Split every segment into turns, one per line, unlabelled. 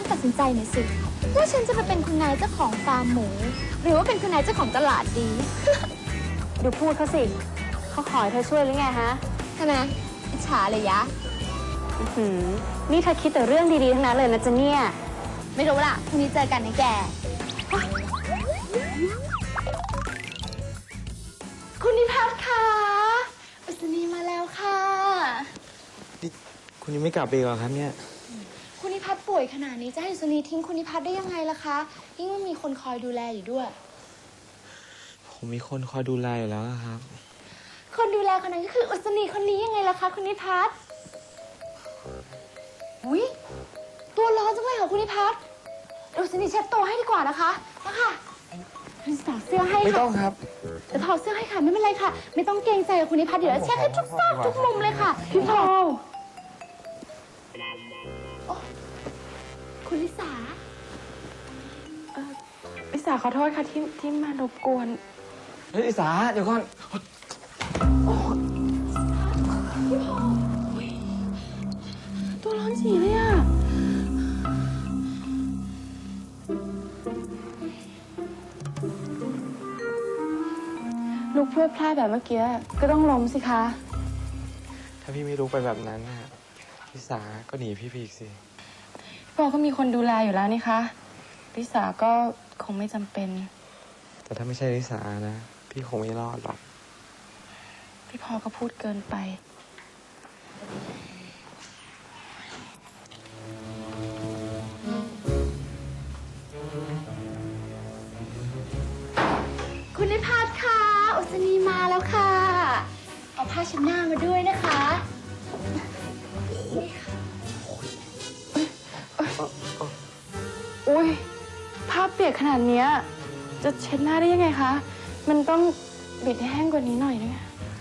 นตัดสินใจหน่อยสิว่าฉันจะไปเป็นคุณนายเจ้าของฟาร์มหมู หรือว่าเป็นคุณนายเจ้าของตลาดดี
ดูพูดเขาสิเขาขอให้เธอช่วยหรือไงฮะ
ใช่ไหมอิจฉาเลยยะ
นี่เธอคิดแต่เรื่องดีๆทั้งนั้นเลยนะจ๊ะเนี่ย
ไม่รู้ล่ะพรุ่งนี้เจอกันนะแก คุณนิพัฒน์คะอุศนีมาแล้วค่ะ
นี่คุณยังไม่กลับไปอีกเหรอครับเนี่ย
คุณนิพัฒน์ป่วยขนาดนี้จะให้อุศนีทิ้งคุณนิพัฒน์ได้ยังไงล่ะคะยิ่งว่ามีคนคอยดูแลอยู่ด้วย
ผมมีคนคอยดูแลอยู่แล้วครับ
คนดูแลคนนั้นก็คืออุศนีคนนี้ยังไงล่ะคะคุณนิพัฒน์อุ๊ยตัวร้อนจังเลยค่ะคุณนิพัฒน์อุศนีเช็ดตัวให้ดีกว่านะคะนะคะคุณถอดเสื้อให้
ไม่ต้อ
ค่ะ
งครับ
จะถอดเสื้อให้ค่ะไม่เป็นไรค่ะ ไม่ต้องเกรงใจกับคุณนิพัฒน์เดี๋ยวเช็ดให้ทุกซอกทุกมุมเลยค่ะพี่พอลโอ้คุณลิสา
ลิสาขอโทษค่ะที่มารบกวน
เฮ้ยอิสาเดี๋ยวก่อน
พี่พอลตัวร้อนจีเลยอะ
ลุกเพื่อพลาดแบบเมื่อกี้ก็ต้องล้มสิคะ
ถ้าพี่ไม่รู้ไปแบบนั้นน่ะอิสาก็หนีพี่ไปอีกสิ
พี่พอก็มีคนดูแลอยู่แล้วนี่คะลิสาก็คงไม่จำเป็น
แต่ถ้าไม่ใช่อิสานะ พี่คงไม่รอดหรอก
พี่พอก็พูดเกินไป
คุณนิพัฒน์ค่ะอุศนีมาแล้วค่ะ เอาผ้าเช็ดหน้ามาด้วยนะคะ
อุ้ยผ้าเปียกขนาดเนี้ยจะเช็ดหน้าได้ยังไงคะ มันต้องบิดให้แห้งกว่านี้หน่อยนึง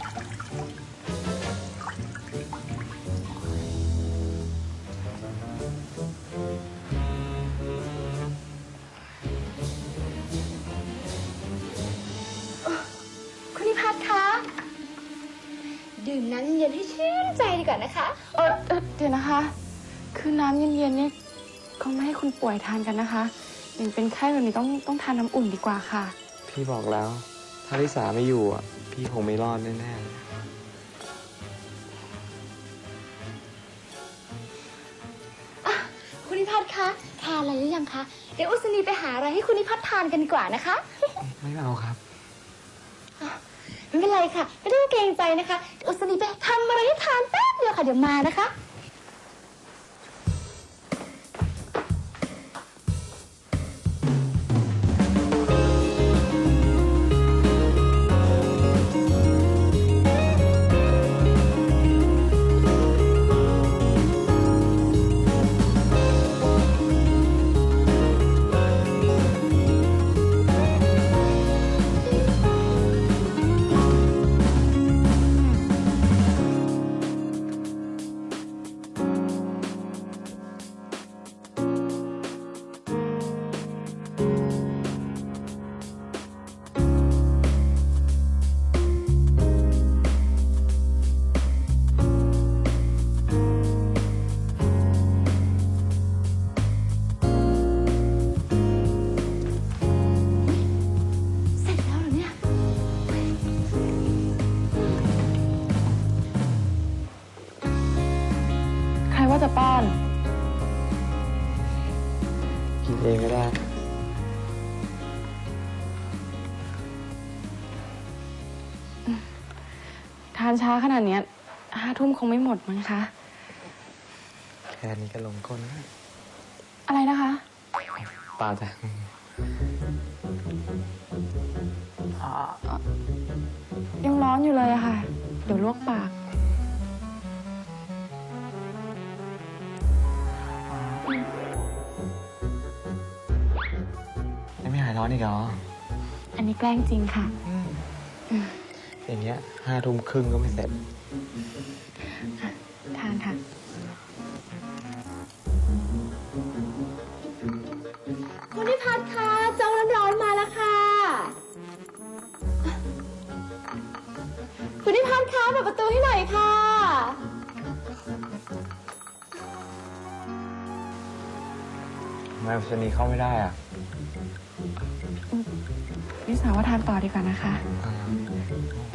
คุณนิพัฒน์คะดื่มน้ำเย็นๆให้ชื่นใจดีกว่านะคะ
เดี๋ยวนะคะ คือน้ำเย็นๆนี่คงไม่ให้คุณป่วยทานกันนะคะอย่างเป็นไข้แบบนี้ต้องทานน้ำอุ่นดีกว่าค่ะ
พี่บอกแล้ว ถ้าลิสาไม่อยู่อ่ะ พี่คงไม่รอดแน่ๆเลย
คุณนิพัฒน์คะทานอะไรหรือยังคะเดี๋ยวอุศนีไปหาอะไรให้คุณนิพัฒน์ทานกันดีกว่านะคะ
ไม่เอาครับ
ไม่เป็นไรค่ะไม่ต้องเกรงใจนะคะเดี๋ยวอุศนีไปทำอะไรให้ทานแป๊บเดียวค่ะเดี๋ยวมานะคะเสร็จแล้วเหรอเนี่ย
ใครว่าจะป้อน
กินเองก็ได้
ทานช้าขนาดเนี้ย5 ทุ่มคงไม่หมดมั้งคะ
แค่นี้ก็ลงก้นแล้ว
อะไรนะคะ
เปล่าจ้ะ
ยังร้อนอยู่เลยอะค่ะ เดี๋ยวลวกปาก
ยังไม่หายร้อนอีกเหรอ
อันนี้แกล้งจริงค่ะ
อย่างเงี้ย5 ทุ่มครึ่งก็ไม่เสร็จ
ทานค่ะ
คุณนิพัฒน์คะโจ๊กน้ำร้อนมาแล้วค่ะ คุณนิพัฒน์คะเปิดประตูให้หน่อยค่ะ
พทำไมชนีเข้าไม่ได้อ่ะ
ลิสาว่าทานต่อดีกว่านะคะ
อ่า